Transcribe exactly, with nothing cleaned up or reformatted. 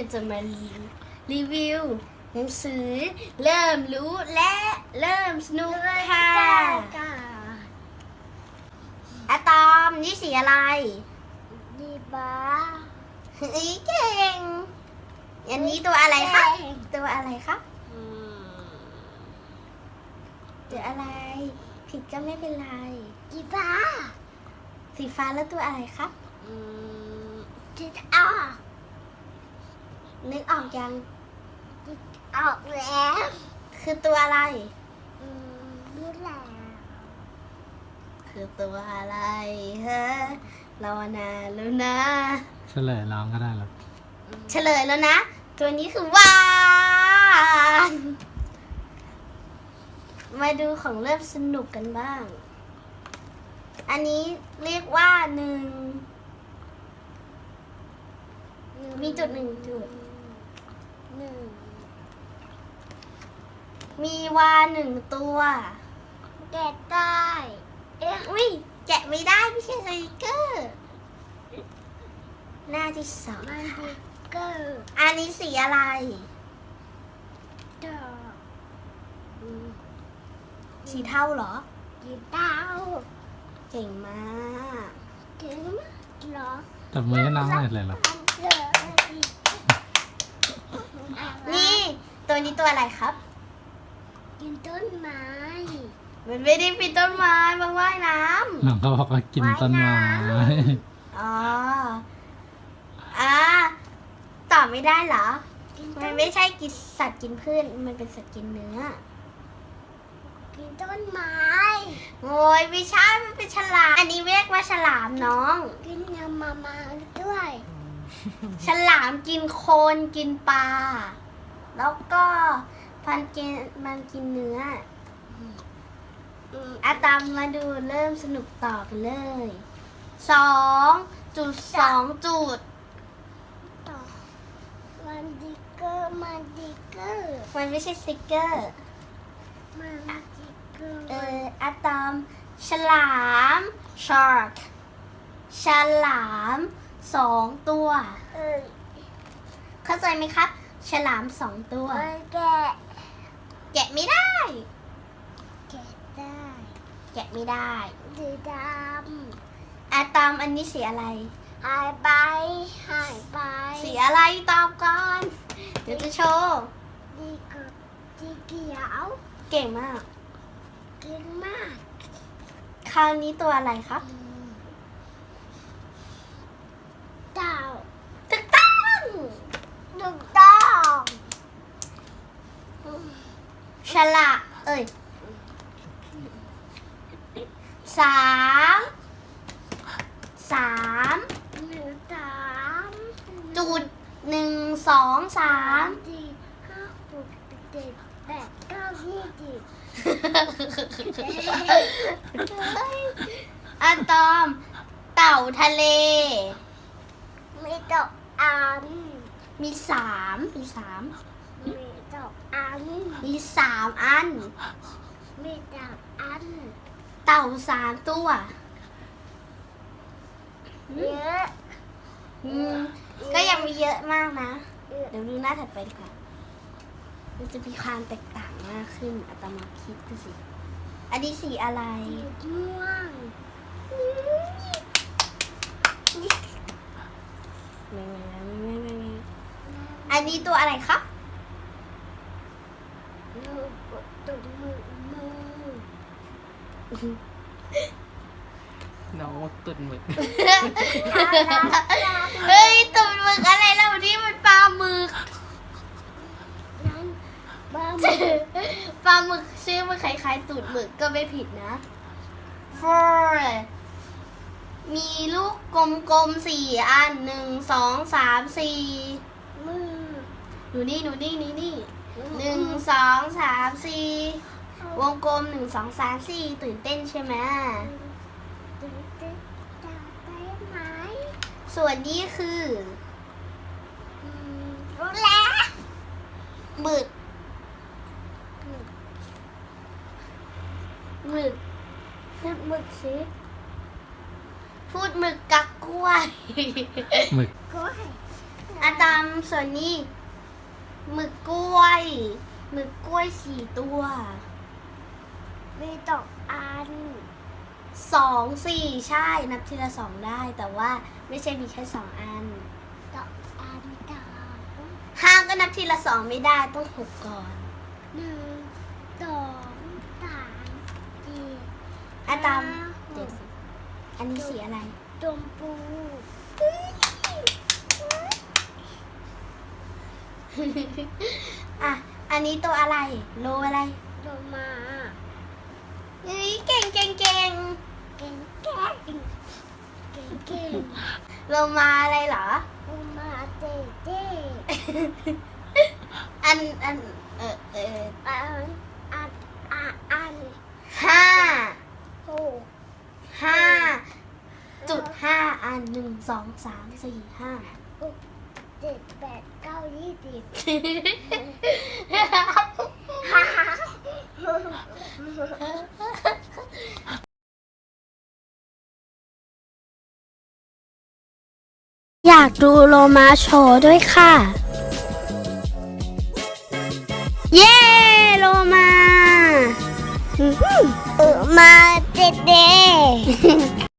ก็จะมารีวิวหนังสือเริ่มรู้และเริ่มสนุกค่ะอะตอมนี่สีอะไรดีบ้าอีเก่งอันนี้ตัวอะไรคะตัวอะไรคะตัวอะไรผิดก็ไม่เป็นไรดีบ้าสีฟ้าแล้วตัวอะไรคะคิดออกนึกออกยังออกแล้วคือตัวอะไรรู้แล้วคือตัวอะไรฮะรอนานแล้วนะเฉลยร้องก็ได้หรอเฉลยแล้วนะตัวนี้คือวานมาดูของเริ่มสนุกกันบ้างอันนี้เรียกว่าหนึ่งมีจุดหนึ่งจุดหนึ่งมีวาหนึ่งตัวแกะได้เอ๊ะอุ้ยแกะไม่ได้ไม่ใช่สติกเกอร์หน้าที่สองมันดิเกอร์อันนี้สีอะไรดอกสีเทาเหรอสีเทาเก่งมากเก่งมากเหรอแต่มือน้องอะไรเลยหรอนี่ตัวนี้ตัวอะไรครับกินต้นไม้มันไม่ได้ปีนต้นไม้มาว่ายน้ำน้องเขาบอกว่ากินต้นไม้อ๋ออ่าตอบไม่ได้เหรอมันไม่ใช่กินสัตว์กินพืชมันเป็นสัตว์กินเนื้อกินต้นไม้โอ้ยไม่ใช่มันเป็นฉลามอันนี้เรียกว่าฉลามน้องกินยำมามาด้วยฉลามกินโคนกินปลาแล้วก็พันกินมันกินเนื้ออะตามมาดูเริ่มสนุกต่อกันเลยสองจุดสองจุดต่อมันดิเกอร์มันดิเกอร์มันไม่ใช่สติกเกอร์มันดิเกอร์เอออะตอมฉลาม shark ฉลามสองตัวเออเข้าใจไหมครับฉลามสองตัวแกะแกะไม่ได้แกะได้แกะไม่ได้สีดำอะตอมอันนี้สีอะไรหายไปหายไปสีอะไรตอบก่อนเดี๋ยวจะโชว์ดีกับสีเขียวเก่งมากเก่งมากคราวนี้ตัวอะไรครับเต่าถูกต้องถูกต้องฉลาเอ้ยสามสามหนึ่งสามจุดหนึ่งสองสามสี่ห้าหกเจ็ดแปดเก้ายี่สิบอะตอมเต่าทะเลมีดอกอันมีสามมีสามมีดอกอันมีสามอันมีดอกอันเต่าสามตัวเยอะก็ยังมีเยอะมากนะเดี๋ยวดูหน้าถัดไปดีกว่ามันจะมีความแตกต่างมากขึ้นอะตอมคิดดูสิอันนี้สีอะไรม่วงไม่ไม่ไม่ไม่ไม่อันนี้ตัวอะไรครับตุ่มมือมือน้องตุ่นหมึกเฮ้ยตุ่นหมึกอะไรแล้วนี่มันปลาหมึกนั้นปลาหมึกปลาหมึกชื่อมันคล้ายๆตุ่นหมึกก็ไม่ผิดนะ four มีลูกกลมๆสี่อันหนึ่งสองสามสี่มือหนูนี่หนูนี่นี่นี่หนึ่งสองสามสี่วงกลมหนึ่งสองสามสี่ตื่นเต้นใช่ไหมตื่นเต้นจะได้ไหมส่วนนี้คือรู้แล้วหมึกหมึกพูดหมึกสิพูดหมึกกับกล้วยหมึกกล้วยออาตามส่วนนี้หมึกกล้วยหมึกกล้วยสี่ตัวมีตกอันสองสี่ใช่นับทีละสองได้ แต่ว่าไม่ใช่มีแค่สองอันตกอันสองห้าก็นับทีละสองไม่ได้ต้องหกก่อนหนึ่งสองสามสี่อาตามห้าเดี๋ยวสิอันนี้สีอะไรจมพูอ่ะ อันนี้ตัวอะไร โลอะไรโลมาเฮ้ยเก่งเก่งเก่งเก่งเก่งเก่งเก่งโลมาอะไรเหรอโลมาเจ๊เจ๊อันอันเออเอออันอันอันอันห้าหกห้าจุดห้าอันหนึ่งสองสามสี่ห้าหกเจ็ดแปดเก้ายี่สิบอยากดูโลมาโชว์ด้วยค่ะ เย้โลมาเออมาเจ๊เจ๊